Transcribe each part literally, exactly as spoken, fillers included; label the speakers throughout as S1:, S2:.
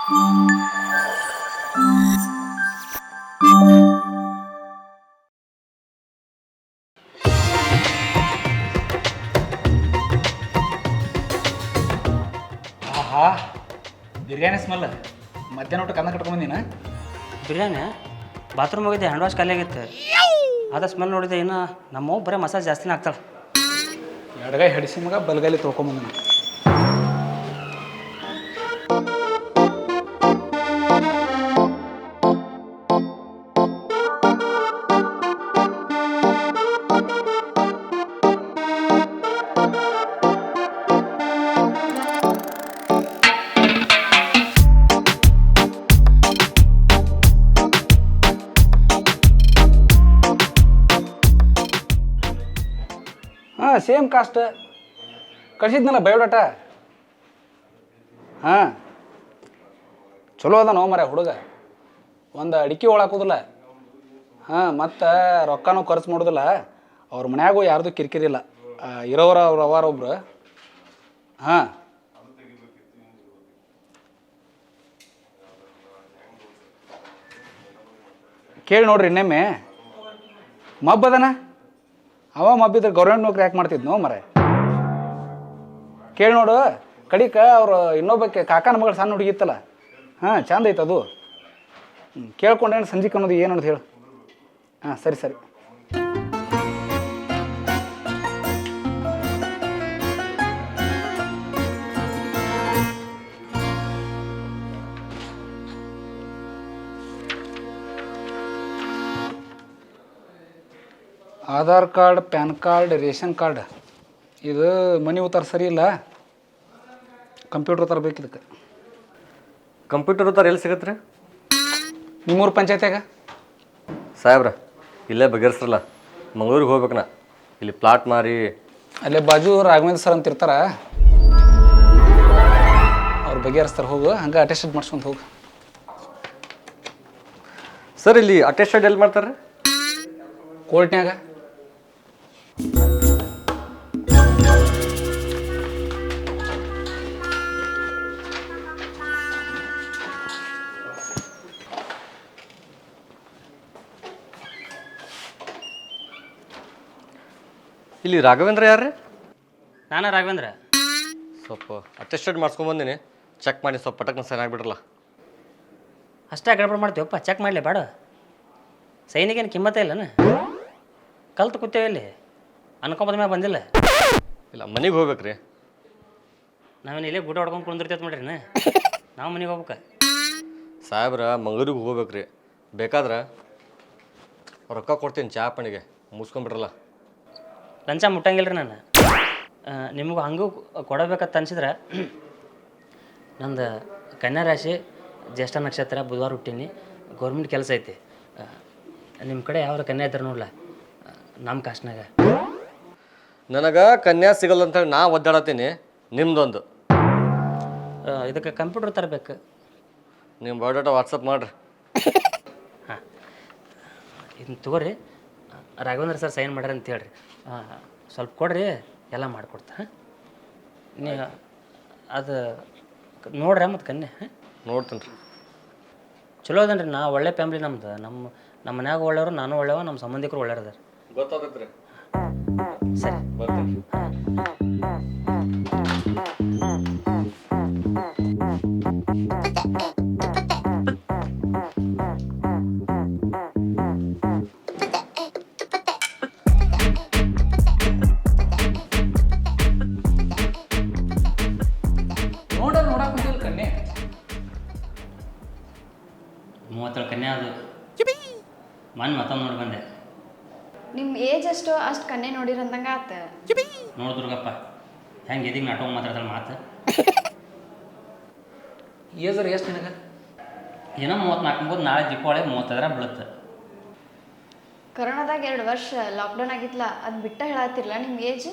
S1: ಆಹಾ ಬಿರಿಯಾನಿ ಸ್ಮೆಲ್ ಮಧ್ಯಾಹ್ನ ಊಟ ಕನ್ನ ಕಟ್ಕೊಂಬಂದಿನ
S2: ಬಿರಿಯಾನಿ ಬಾತ್ರೂಮ್ ಹೋಗಿದ್ದೆ ಹ್ಯಾಂಡ್ ವಾಶ್ ಖಾಲಿ ಆಗಿತ್ತು ಅದ ಸ್ಮೆಲ್ ನೋಡಿದೆ ಇನ್ನು ನಮ್ಮವ್ವ ಬರೀ ಮಸಾಜ್ ಜಾಸ್ತಿನೇ ಆಗ್ತಾಳೆ.
S1: ಎಡಗೈ ಹಡಿಸಿ ಮಗ ಬಲಗೈಲಿ ತೊಳ್ಕೊಂಬಂದಿನ. ಹಾಂ ಸೇಮ್ ಕಾಸ್ಟ್ ಕಳಿಸಿದ್ನಲ್ಲ ಬಯೋಡಾಟ. ಹಾಂ ಚಲೋ ಅದ ನೋ ಮರ ಹುಡುಗ, ಒಂದು ಅಡಿಕೆ ಒಳಾಕೋದಿಲ್ಲ. ಹಾಂ ಮತ್ತು ರೊಕ್ಕನೂ ಖರ್ಚು ಮಾಡೋದಿಲ್ಲ. ಅವ್ರ ಮನ್ಯಾಗೂ ಯಾರ್ದು ಕಿರಿಕಿರಿಲ್ಲ, ಇರೋರ ಅವ್ರು ಅವಾರ ಒಬ್ರು. ಹಾಂ ಕೇಳಿ ನೋಡ್ರಿ ಇನ್ನೊಮ್ಮೆ. ಮಬ್ಬದನ ಅವ ಮಬ್ಬಿದ್ರೆ ಗೌರ್ಮೆಂಟ್ ನೌಕರಿ ಯಾಕೆ ಮಾಡ್ತಿದ್ನೋ ಮರೆ. ಕೇಳಿ ನೋಡು ಕಡಿಕ ಅವ್ರು ಇನ್ನೊಬ್ಬಕ್ಕೆ ಕಾಕನ ಮಗಳು ಸಣ್ಣ ಹುಡುಗಿತ್ತಲ್ಲ. ಹಾಂ ಚಂದ ಐತೆ ಅದು. ಹ್ಞೂ ಕೇಳ್ಕೊಂಡೇನು ಸಂಜಿಕ್ ಅನ್ನೋದು ಏನು ಅನ್ನೋದು ಹೇಳು. ಹಾಂ ಸರಿ ಸರಿ. Aadhaar card, PAN card, ration card, ಇದು ಮನೆ ಉತ್ತಾರ ಸರಿ ಇಲ್ಲ. ಕಂಪ್ಯೂಟರ್ ತರಬೇಕು ಇದಕ್ಕೆ.
S3: ಕಂಪ್ಯೂಟರ್ ಉತ್ತಾರ ಎಲ್ಲಿ ಸಿಗತ್ತೆ ರೀ?
S1: ನಿಮ್ಮೂರು ಪಂಚಾಯತ್ಯಾಗ
S3: ಸಾಹೇಬ್ರ ಇಲ್ಲೇ ಬಗೆಹರಿಸ್ರಲ್ಲ. ಮಂಗಳೂರಿಗೆ ಹೋಗ್ಬೇಕು ನಾ, ಇಲ್ಲಿ ಪ್ಲಾಟ್ ಮಾರಿ.
S1: ಅಲ್ಲೇ ಬಾಜು ರಾಘವೇಂದ್ರ ಸರ್ ಅಂತ ಇರ್ತಾರ, ಅವ್ರು ಬಗೆಹರಿಸ್ತಾರೆ. ಹೋಗು ಹಂಗೆ ಅಟೆಸ್ಟೆಡ್ ಮಾಡ್ಸ್ಕೊಂಡು ಹೋಗು.
S3: ಸರ್ ಇಲ್ಲಿ ಅಟೆಸ್ಟೆಡ್ ಎಲ್ಲಿ ಮಾಡ್ತಾರೆ ರೀ?
S1: ಕೋರ್ಟ್ನ್ಯಾಗ.
S3: ಇಲ್ಲಿ ರಾಘವೇಂದ್ರ ಯಾರು ರೀ?
S2: ನಾನಾ ರಾಘವೇಂದ್ರ.
S3: ಸ್ವಲ್ಪ ಅಟೆಸ್ಟೆಡ್ ಮಾಡ್ಸ್ಕೊಂಬಂದಿನಿ, ಚೆಕ್ ಮಾಡಿ ಸ್ವಲ್ಪ ಪಟಕ್ನ ಸೈನ್ ಆಗಿಬಿಡ್ರಲ್ಲ.
S2: ಅಷ್ಟೇ ಗಡಬಡ ಮಾಡ್ತೀವಪ್ಪ, ಚೆಕ್ ಮಾಡಲಿ ಬೇಡ. ಸೈನಿಗೇನು ಕಿಮ್ಮತ್ತೇ ಇಲ್ಲನ? ಕಲ್ತು ಕೂತೇವೆ ಇಲ್ಲಿ, ಅನ್ಕೊಂಬದ ಮ್ಯಾಗ ಬಂದಿಲ್ಲ.
S3: ಇಲ್ಲ ಮನೆಗೆ ಹೋಗ್ಬೇಕು ರೀ.
S2: ನಾವೇನು ಇಲ್ಲೇ ಗುಡ ಹೊಡ್ಕೊಂಡು ಕುಂದಿರ್ತೈತೆ ಮಾಡ್ರಿ ನಾ ನಾವು ಮನೆಗೆ ಹೋಗ್ಬೇಕು.
S3: ಸಾಹೇಬ್ರ ಮಂಗಳೂರಿಗೆ ಹೋಗ್ಬೇಕು ರೀ. ಬೇಕಾದ್ರೆ ರೊಕ್ಕ ಕೊಡ್ತೀನಿ ಚಾ ಪಣಿಗೆ, ಮುಗಿಸ್ಕೊಂಬಿಡ್ರಲ್ಲ.
S2: ಲಂಚ ಮುಟ್ಟಂಗಿಲ್ಲ ರೀ ನಾನು. ನಿಮಗೂ ಹಂಗೂ ಕೊಡಬೇಕಂತ ಅನ್ಸಿದ್ರೆ, ನಂದು ಕನ್ಯಾ ರಾಶಿ, ಜ್ಯೇಷ್ಠ ನಕ್ಷತ್ರ, ಬುಧವಾರ ಹುಟ್ಟೀನಿ, ಗೌರ್ಮೆಂಟ್ ಕೆಲಸ ಐತಿ. ನಿಮ್ಮ ಕಡೆ ಯಾವ್ದು ಕನ್ಯಾ ಇದ್ದಾರೆ ನೋಡ್ಲ ನಮ್ಮ ಕಾಸ್ಟ್ನಾಗ.
S3: ನನಗೆ ಕನ್ಯಾ ಸಿಗಲ್ಲ ಅಂತೇಳಿ ನಾ ಒದ್ದಾಡತ್ತೀನಿ. ನಿಮ್ದೊಂದು
S2: ಇದಕ್ಕೆ ಕಂಪ್ಯೂಟರ್ ತರಬೇಕು.
S3: ನಿಮ್ಮ ಬಯೋಡಾಟ ವಾಟ್ಸಪ್ ಮಾಡಿರಿ.
S2: ಹಾಂ ಇದನ್ನ ತಗೋರಿ, ರಾಘವೇಂದ್ರ ಸರ್ ಸೈನ್ ಮಾಡ್ರಿ ಅಂತ ಹೇಳ್ರಿ. ಸ್ವಲ್ಪ ಕೊಡ್ರಿ, ಎಲ್ಲ ಮಾಡಿಕೊಡ್ತಾ. ಹಾಂ ನೀ ಅದು ನೋಡ್ರಿ ಮತ್ತು ಕನ್ಯೆ. ಹಾಂ
S3: ನೋಡ್ತೀನಿ ರೀ.
S2: ಚಲೋ ಅದನ್ರಿ. ನಾ ಒಳ್ಳೆ ಫ್ಯಾಮ್ಲಿ ನಮ್ದು. ನಮ್ಮ ನಮ್ಮ ಮನ್ಯಾಗ ಒಳ್ಳೆಯವರು, ನಾನು ಒಳ್ಳೆಯವ, ನಮ್ಮ ಸಂಬಂಧಿಕರು ಒಳ್ಳೆಯವ್ರು ಅದಾರ.
S3: ಗೊತ್ತಾಗತ್ತೆ ರೀ.
S2: ಸರಿ
S3: ಬರ್ತೀನಿ.
S1: ನೋಡ ನೋಡಕ್ಕೆ ಕನ್ಯೆ
S2: ಮೂವತ್ತೇಳು ಕನ್ಯಾ ಅದು. ಮನ್ ಮತ್ತೊಂದು ನೋಡಿ ಬಂದೆ.
S4: ನಿಮ್ಮ ಏಜ್ ಅಷ್ಟು ಅಷ್ಟು ಕನ್ಯೆ ನೋಡಿರಂದಂಗೆ ಆತ.
S2: ನೋಡು ದುರ್ಗಪ್ಪ ಹೆಂಗೆ ಎದಿಗೆ ನಾಟಕ ಮಾತಾಡ್ತಾಳೆ ಮಾತು.
S1: ಏಜರ್ ಎಷ್ಟು ನಿನಗೆ?
S2: ಏನೋ ಮೂವತ್ತ್ನಾಲ್ಕು ಅಂಬೋದು, ನಾಳೆ ದೀಪಾವಳಿ ಮೂವತ್ತೈದರ ಬೀಳುತ್ತೆ.
S4: ಕರೋನಾದಾಗ ಎರಡು ವರ್ಷ ಲಾಕ್ಡೌನ್ ಆಗಿತ್ತಲ್ಲ, ಅದು ಬಿಟ್ಟ ಹೇಳತ್ತಿರಲ್ಲ ನಿಮ್ಮ ಏಜ್.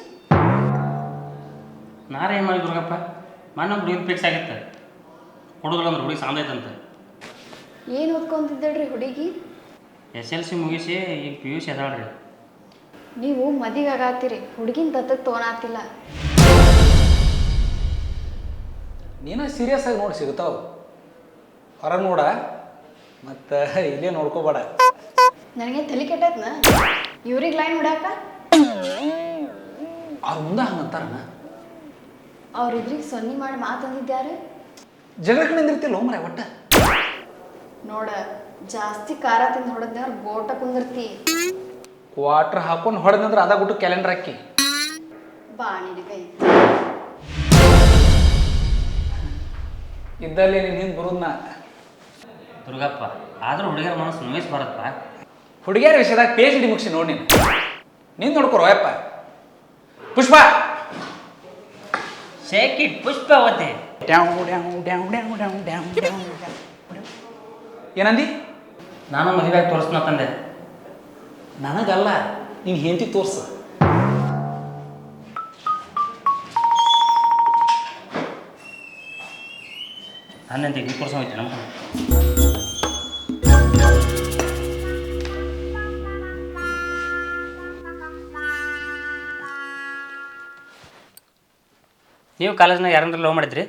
S2: ನಾರೇ ಏನು ಮಾಡಿ ದುರ್ಗಪ್ಪ, ಮಣ್ಣು ಹುಡುಗಿನ ಫಿಕ್ಸ್ ಆಗಿತ್ತು. ಹುಡುಗಲ್ಲ ಅಂದ್ರೆ ಹುಡುಗಿ ಸಾಂದೈತಂತ.
S4: ಏನು ಓದ್ಕೊಂತಿದ್ದಳ್ರಿ ಹುಡುಗಿ?
S2: ಎಸ್ ಎಲ್ ಸಿ ಮುಗಿಸಿ ಈಗ ಪಿ ಯು ಸಿ ಅದಾಳ್ರಿ.
S4: ನೀವು ಮದುವೆ ಆಗತ್ತೀರಿ, ಹುಡುಗಿನ ದತ್ತಕ್ಕೆ ತೊಗೊಳತ್ತಿಲ್ಲ.
S1: ನೀನು ಸೀರಿಯಸ್ ಆಗಿ ನೋಡಿ ಸಿಗ್ತಾವ. ಹೊರ ನೋಡ ಮತ್ತು ಇಲ್ಲೇ ನೋಡ್ಕೋಬೇಡ.
S4: ನನಗೆ ತಲೆ ಕೆಟ್ಟೈತ್ನ ಇವ್ರಿಗೆ ಲೈನ್ ಹೊಡ್ಯಾಕ.
S1: ಅವ್ರ ಮುಂದೆ ಹಂಗಂತಾರಣ.
S4: ಅವ್ರಿದ್ರಿಗೆ ಸೊನ್ನೆ ಮಾಡಿ ಮಾತಂದಿದ್ಯಾರು?
S1: ಜಗಳಕ್ಕೆ ನಿಂದಿರ್ತಿಲ್ಲ ಮರ ಒಟ್ಟ.
S4: ನೋಡ ಜಾಸ್ತಿ ಖಾರ ತಿಂದು ಹೊಡೆದ್ನವ್ರು ಗೋಟ ಕುಂದಿರ್ತಿ.
S1: ಕ್ವಾಟ್ರ್ ಹಾಕೊಂಡು ಹೊಡೆದಂದ್ರೆ ಅದ ಬಿಟ್ಟು ಕ್ಯಾಲೆಂಡರ್ ಹಾಕಿ
S4: ಬಾ ನಿನಗೈ
S1: ಇದ್ದಲ್ಲಿ ನೀನು ಹಿಂದೆ ಬರೋದನ್ನ.
S2: ದುರ್ಗಪ್ಪ ಆದರೂ ಹುಡುಗಿಯರ ಮನಸ್ಸು ನೋಯಿಸ್ ಬರತ್ತಪ್ಪ.
S1: ಹುಡುಗಿಯರ ವಿಷಯದಾಗ ಪಿ ಎಚ್ ಡಿ ಮುಗಿಸಿ ನೋಡಿ ನೀನು ನೀನು ನೋಡ್ಕೊರೋ ಯಪ್ಪ. Pushpa
S2: shake it Pushpavati.
S1: ಏನಂದಿ?
S2: ನಾನು ಮದುವೆಯಾಗಿ ತೋರಿಸ್ನ ತಂದೆ.
S1: ನನಗಲ್ಲ, ನೀನು ಹೆಂಡತಿ ತೋರ್ಸು.
S2: ನನ್ನಂತೆ ಈ ತೋರ್ಸ ಹೋಯ್ತು ನಮ್ಮ ನೀವು ಕಾಲೇಜ್ನಾಗ ಯಾರಂದ್ರೆ ಲವ್ ಮಾಡಿದ್ರಿ?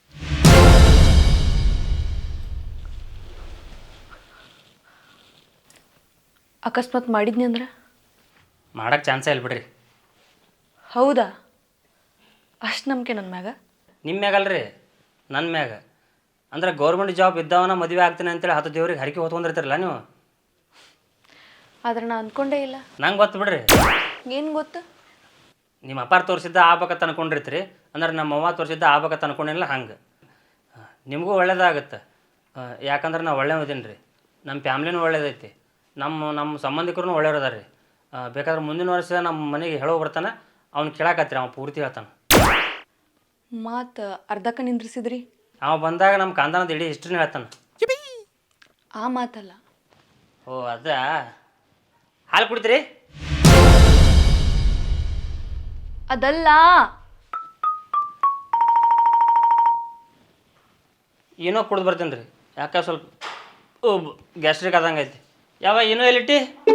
S5: ಅಕಸ್ಮಾತ್ ಮಾಡಿದ್ನಿ ಅಂದ್ರೆ
S2: ಮಾಡಕ್ಕೆ ಚಾನ್ಸೇ ಇಲ್ಲ ಬಿಡ್ರಿ.
S5: ಹೌದಾ? ಅಷ್ಟು ನಂಬಿಕೆ ನನ್ನ ಮ್ಯಾಗ?
S2: ನಿಮ್ಮ ಮ್ಯಾಗಲ್ರಿ, ನನ್ನ ಮ್ಯಾಗ. ಅಂದ್ರೆ ಗೌರ್ಮೆಂಟ್ ಜಾಬ್ ಇದ್ದವನ ಮದುವೆ ಆಗ್ತೀನಿ ಅಂತೇಳಿ ಹತ್ತು ದೇವ್ರಿಗೆ ಹರಕೆ ಹೊತ್ಕೊಂಡಿರ್ತೀರಲ್ಲ ನೀವು.
S5: ಆದ್ರೆ ನಾ ಅಂದ್ಕೊಂಡೇ ಇಲ್ಲ.
S2: ನಂಗೆ ಗೊತ್ತು ಬಿಡ್ರಿ.
S5: ಏನು ಗೊತ್ತು?
S2: ನಿಮ್ಮ ಅಪ್ಪಾರು ತೋರಿಸಿದ್ದ ಆಗ್ಬೇಕಂತ ಅನ್ಕೊಂಡಿರ್ತೀರಿ. ಅಂದ್ರೆ ನಮ್ಮ ಅವ್ವ ತೋರಿಸಿದ್ದ ಆಗ್ಬೇಕಂತ ಅನ್ಕೊಂಡಿಲ್ಲ. ಹಂಗೆ ನಿಮಗೂ ಒಳ್ಳೇದಾಗತ್ತೆ. ಯಾಕಂದ್ರೆ ನಾವು ಒಳ್ಳೆ ಇದೀನಿ ರೀ. ನಮ್ಮ ಫ್ಯಾಮ್ಲಿನೂ ಒಳ್ಳೇದೈತಿ. ನಮ್ಮ ನಮ್ಮ ಸಂಬಂಧಿಕರು ಒಳ್ಳೆಯವ್ರು ಅದಾರ ರೀ. ಬೇಕಾದ್ರೆ ಮುಂದಿನ ವರ್ಷ ನಮ್ಮ ಮನೆಗೆ ಹೇಳೋ ಬರ್ತಾನೆ. ಅವ್ನು ಕೇಳಾಕತ್ತೀರಿ, ಅವ್ನು ಪೂರ್ತಿ ಹೇಳ್ತಾನೆ.
S5: ಮಾತು ಅರ್ಧಕ್ಕೆ ನಿಂದ್ರಿಸಿದ್ರಿ?
S2: ಅವ ಬಂದಾಗ ನಮ್ಮ ಕಾಂದಾನದ ಇಡೀ ಹಿಸ್ಟ್ರಿನ ಹೇಳ್ತಾನೆ.
S5: ಆ ಮಾತಲ್ಲ.
S2: ಓ ಅದ ಹಾಲು ಕುಡಿತೀರಿ?
S5: ಅದಲ್ಲ.
S2: ಏನೋ ಕುಡ್ದು ಬರ್ತೀನಿ ರೀ. ಯಾಕೆ ಸ್ವಲ್ಪ ಓ ಗ್ಯಾಸ್ಟ್ರಿಕ್ ಆದಂಗೆ ಐತಿ. ಯಾವ ಏನೋ ಎಲ್ಲಿಟ್ಟಿ?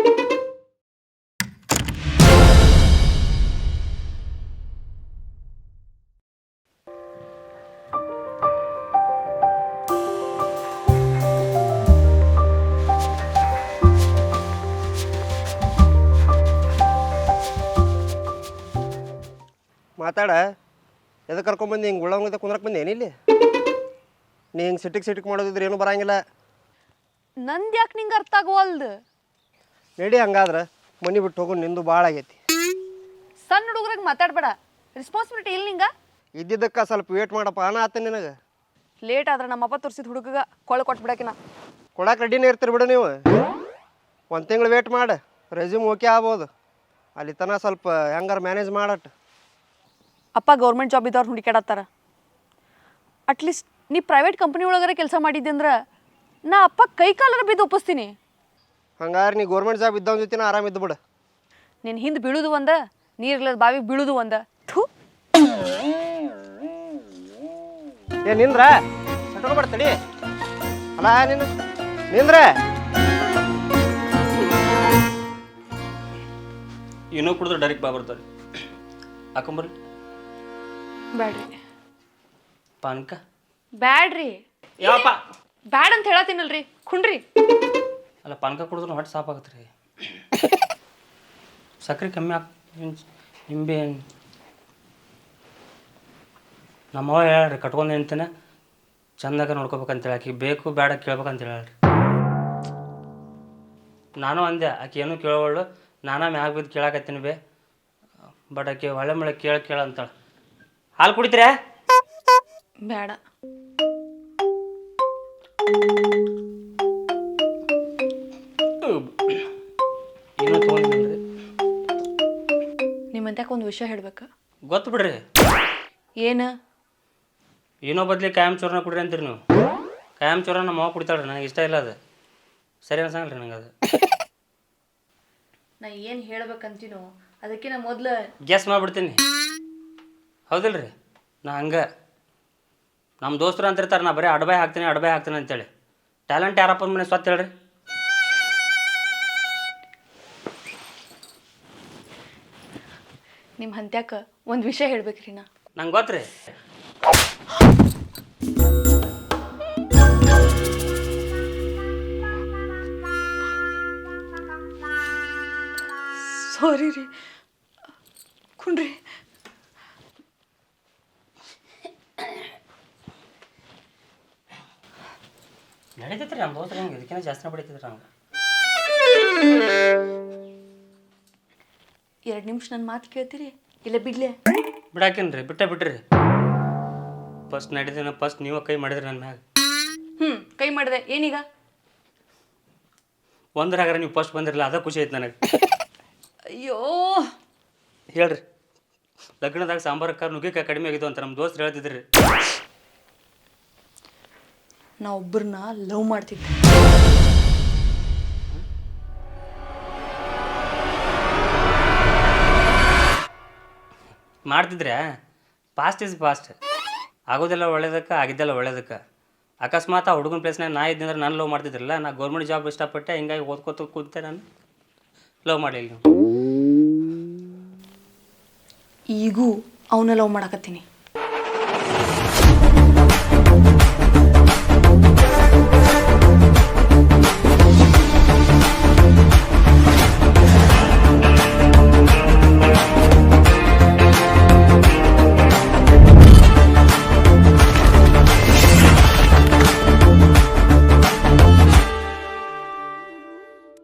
S6: ಮಾತಾಡ. ಎದಕ್ಕೆ ಕರ್ಕೊಂಬಂದು ಹಿಂಗೆ ಉಳ್ಳಂಗದ ಕುಂದ್ರಕ್ಕೆ ಬಂದೇನು ಇಲ್ಲಿ? ನೀ ಹಿಂಗೆ ಸಿಟಿಗೆ ಸಿಟಿಗೆ ಮಾಡೋದಿದ್ರೆ ಏನೂ ಬರಂಗಿಲ್ಲ.
S5: ನಂದು ಯಾಕೆ ನಿಂಗೆ ಅರ್ಥ ಆಗುವಲ್ದು?
S6: ನಡಿ ಹಂಗಾದ್ರೆ ಮನೆ ಬಿಟ್ಟು ಹೋಗು, ನಿಂದು ಭಾಳ ಆಗೈತಿ.
S5: ಸಣ್ಣ ಹುಡುಗ್ರಿಗೆ ಮಾತಾಡ್ಬೇಡ. ರೆಸ್ಪಾನ್ಸಿಬಿಲಿಟಿ ಇಲ್ಲ ನಿಂಗೆ?
S6: ಇದ್ದಿದ್ದಕ್ಕೆ ಸ್ವಲ್ಪ ವೇಟ್ ಮಾಡಪ್ಪ ಅನ್ನ ಆತ ನಿನಗೆ.
S5: ಲೇಟ್ ಆದ್ರೆ ನಮ್ಮಪ್ಪ ತೋರಿಸಿದ ಹುಡುಗಗೆ ಕೊಳ ಕೊಟ್ಬಿಡಕಿನ.
S6: ಕೊಡಕ್ಕೆ ರೆಡಿನೇ ಇರ್ತೀರಿ ಬಿಡು ನೀವು. ಒಂದು ತಿಂಗಳು ವೇಟ್ ಮಾಡು, ರೆಸ್ಯೂಮ್ ಓಕೆ ಆಗ್ಬೋದು. ಅಲ್ಲಿ ತನಕ ಸ್ವಲ್ಪ ಹೆಂಗಾರ ಮ್ಯಾನೇಜ್ ಮಾಡಟ್ಟು.
S5: ಅಪ್ಪ ಗೌರ್ಮೆಂಟ್ ಜಾಬ್ ಇದ್ದವ್ರು ಹುಡುಕಾಡತ್ತಾರ. ಅಟ್ಲೀಸ್ಟ್ ನೀ ಪ್ರೈವೇಟ್ ಕಂಪ್ನಿ ಒಳಗಾರ ಕೆಲಸ ಮಾಡಿದ್ದೆ ಅಂದ್ರೆ ನಾ ಅಪ್ಪ ಕೈ ಕಾಲರ ಬಿದ್ದು ಒಪ್ಪಿಸ್ತೀನಿ.
S6: ಹಂಗಾರೆ ನೀ ಗೌರ್ಮೆಂಟ್ ಜಾಬ್ ಇದ್ದವನ ಜೊತೆ ಆರಾಮಿದ್ದು ಬಿಡು.
S5: ನಿನ್ನ ಹಿಂದೆ ಬೀಳುದು ಒಂದ, ನೀರಿಲ್ಲದ ಬಾವಿಗೆ ಬೀಳುದು ಒಂದ. ಥೂ,
S6: ಏ ನಿಂದ್ರ ಸಟ್ಕೊಬಾರ್ದಡಿ. ಅಲ್ಲ ನೀನು ನಿಂದ್ರ.
S2: ಏನೋ ಕುಡಿದ್ರೆ ಡೈರೆಕ್ಟ್ ಬಾ ಬರ್ತಾರೆ. ಹಾಕೊಂಬರ್ರಿ.
S5: ಬ್ಯಾಡ್ರಿ.
S2: ಪಾನಕ
S5: ಬ್ಯಾಡ್ರಿ.
S2: ಯಾವಪ್ಪ?
S5: ಬ್ಯಾಡ್ ಅಂತ ಹೇಳತ್ತೀನಲ್ರಿ, ಕುಂಡ್ರಿ.
S2: ಅಲ್ಲ ಪಾನಕ ಕುಡಿದ್ರೆ ಹೊಟ್ಟೆ ಸಾಪ್ ಆಗತ್ತೆ ರೀ. ಸಕ್ಕರೆ ಕಮ್ಮಿ ಹಾಕ್. ನಿಂಬೆ ನಮ್ಮವ್ವ ಹೇಳ್ರಿ, ಕಟ್ಕೊಂಡು ನಿಂತೇನೆ ಚಂದಾಗ ನೋಡ್ಕೋಬೇಕಂತೇಳಿ. ಆಕೆ ಬೇಕು ಬೇಡ ಕೇಳ್ಬೇಕಂತ ಹೇಳ್ರಿ. ನಾನು ಅಂದೆ, ಆಕೆ ಏನೂ ಕೇಳೋವಳು. ನಾನಾ ಮ್ಯಾಗ ಬಿದ್ದು ಕೇಳಾಕತ್ತೀನಿ ಬೇ. ಬಟ್ ಆಕೆ ಒಳ್ಳೆ ಮಳೆ ಕೇಳ ಕೇಳ ಅಂತಾಳೆ. ಹಾಲು ಕುಡಿತೀರಾ?
S5: ಬೇಡ.
S2: ಏನೋ ತೊಗೊಂಡಿದ್ರಿ.
S5: ನಿಮ್ಮಂತ್ಯಾಕ ಒಂದು ವಿಷಯ ಹೇಳ್ಬೇಕು.
S2: ಗೊತ್ತು ಬಿಡ್ರಿ.
S5: ಏನು?
S2: ಏನೋ ಬದ್ಲಿ ಕಾಯಂ ಚೂರ್ನ ಕುಡ್ರಿ ಅಂತೀರಿ ನೀವು. ಕಾಯಂ ಚೂರ ನಮ್ಮ ಮಾವ ಕುಡಿತಾಳ್ರಿ. ನನಗೆ ಇಷ್ಟ ಇಲ್ಲ ಅದು. ಸರಿ ಅನ್ಸಂಗಿಲ್ಲ ರೀ ನಂಗೆ ಅದು.
S5: ನಾ ಏನು ಹೇಳ್ಬೇಕಂತೀನೋ ಅದಕ್ಕೆ ನಾ ಮೊದಲು
S2: ಗ್ಯಾಸ್ ಮಾಡಿಬಿಡ್ತೀನಿ. ಹೌದಿಲ್ಲ ರೀ? ನಾ ಹಂಗೆ ನಮ್ಮ ದೋಸ್ತರು ಅಂತಿರ್ತಾರೆ, ನಾ ಬರೀ ಅಡ್ಬಾಯ್ ಹಾಕ್ತೀನಿ ಅಡ್ಬಾಯ್ ಹಾಕ್ತೀನಿ ಅಂತೇಳಿ. ಟ್ಯಾಲೆಂಟ್ ಯಾರಪ್ಪ ಮನೆ ಸ್ವತ್ತು ಹೇಳ್ರಿ.
S5: ನಿಮ್ಮ ಹಂತ್ಯಾಕ ಒಂದು ವಿಷಯ ಹೇಳ್ಬೇಕ್ರಿ. ನಾ
S2: ನಂಗೆ ಗೊತ್ತು ರೀ.
S5: ಸಾರಿ ರೀ ಕುಣ್ರಿ.
S2: ನಡೀತೈತ್ರಿ ನಮ್ಮ ದೋಸ್ತ್ರ ಹಿಂಗೆ ಇದಕ್ಕಿಂತ ಜಾಸ್ತಿನೇ ಬಿಡ್ತಿದ್ರು ಹಂಗೆ.
S5: ಎರಡು ನಿಮಿಷ ನನ್ನ ಮಾತು ಕೇಳ್ತೀರಿ ಇಲ್ಲ ಬಿಡ್ಲೆ?
S2: ಬಿಡಾಕಿನ್ರಿ ಬಿಟ್ಟ ಬಿಟ್ರಿ. ಫಸ್ಟ್ ನಡೀದಿನ ಫಸ್ಟ್ ನೀವು ಕೈ ಮಾಡಿದ್ರಿ ನನ್ನ ಮ್ಯಾಗ.
S5: ಹ್ಞೂ ಕೈ ಮಾಡಿದೆ ಏನೀಗ?
S2: ಒಂದ್ರಾಗಾರ ನೀವು ಫಸ್ಟ್ ಬಂದಿರಲ್ಲ ಅದ ಖುಷಿ ಐತೆ ನನಗೆ.
S5: ಅಯ್ಯೋ
S2: ಹೇಳ್ರಿ, ಲಗ್ನದಾಗ ಸಾಂಬಾರಕ್ಕ ನುಗ್ಗಿಕಾಯಿ ಕಡಿಮೆ ಆಗಿದ್ದು ಅಂತ ನಮ್ಮ ದೋಸ್ರು ಹೇಳ್ತಿದ್ರಿ.
S5: ನಾ ಒಬ್ಬರನ್ನ ಲವ್ ಮಾಡ್ತಿದ್ದೆ.
S2: ಮಾಡ್ತಿದ್ರೆ ಪಾಸ್ಟ್ ಇಸ್ ಪಾಸ್ಟ್. ಆಗೋದೆಲ್ಲ ಒಳ್ಳೇದಕ್ಕೆ ಆಗಿದ್ದೆಲ್ಲ ಒಳ್ಳೇದಕ್ಕೆ. ಅಕಸ್ಮಾತ್ ಆ ಹುಡುಗನ ಪ್ಲೇಸ್ನಾಗ ನಾ ಇದ್ದಂದ್ರೆ ನಾನು ಲವ್ ಮಾಡ್ತಿದ್ರಲ್ಲ. ನಾ ಗೌರ್ಮೆಂಟ್ ಜಾಬ್ ಇಷ್ಟಪಟ್ಟೆ, ಹಿಂಗಾಗಿ ಓದ್ಕೋತ ಕೂತೆ ನಾನು ಲವ್ ಮಾಡಲಿಲ್ಲ.
S5: ಈಗೂ ಅವನ್ನ ಲವ್ ಮಾಡಕತ್ತೀನಿ.